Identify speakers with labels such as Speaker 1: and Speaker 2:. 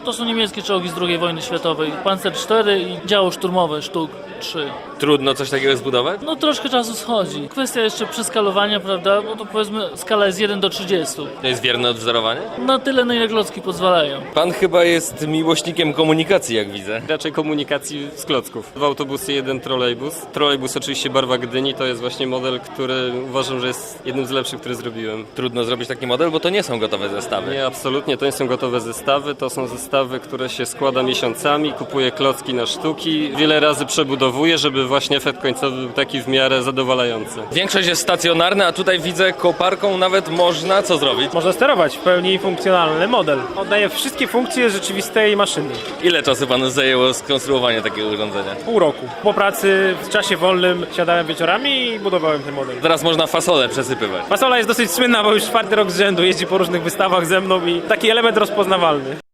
Speaker 1: To są niemieckie czołgi z II wojny światowej. Panzer 4 i działo szturmowe sztuk 3.
Speaker 2: Trudno coś takiego zbudować?
Speaker 1: No troszkę czasu schodzi. Kwestia jeszcze przeskalowania, prawda? Bo to powiedzmy skala jest 1:30.
Speaker 2: To jest wierne odwzorowanie?
Speaker 1: Na tyle, na ile klocki pozwalają.
Speaker 2: Pan chyba jest miłośnikiem komunikacji, jak widzę.
Speaker 3: Raczej komunikacji z klocków. W autobusie jeden trolejbus. Trolejbus oczywiście barwa Gdyni, to jest właśnie model, który uważam, że jest jednym z lepszych, który zrobiłem.
Speaker 2: Trudno zrobić taki model, bo to nie są gotowe zestawy.
Speaker 3: Nie, absolutnie, to nie są gotowe zestawy, to są zestawy, które się składa miesiącami, kupuje klocki na sztuki, wiele razy przebudowuje, żeby właśnie efekt końcowy był taki w miarę zadowalający.
Speaker 2: Większość jest stacjonarna, a tutaj widzę koparką nawet można co zrobić?
Speaker 4: Można sterować, w pełni funkcjonalny model. Oddaje wszystkie funkcje rzeczywistej maszyny.
Speaker 2: Ile czasu panu zajęło skonstruowanie takiego urządzenia?
Speaker 4: Pół roku. Po pracy, w czasie wolnym siadałem wieczorami i budowałem ten model.
Speaker 2: Teraz można fasolę przesypywać.
Speaker 4: Fasola jest dosyć słynna, bo już 4. rok z rzędu jeździ po różnych wystawach ze mną i taki element rozpoznawalny.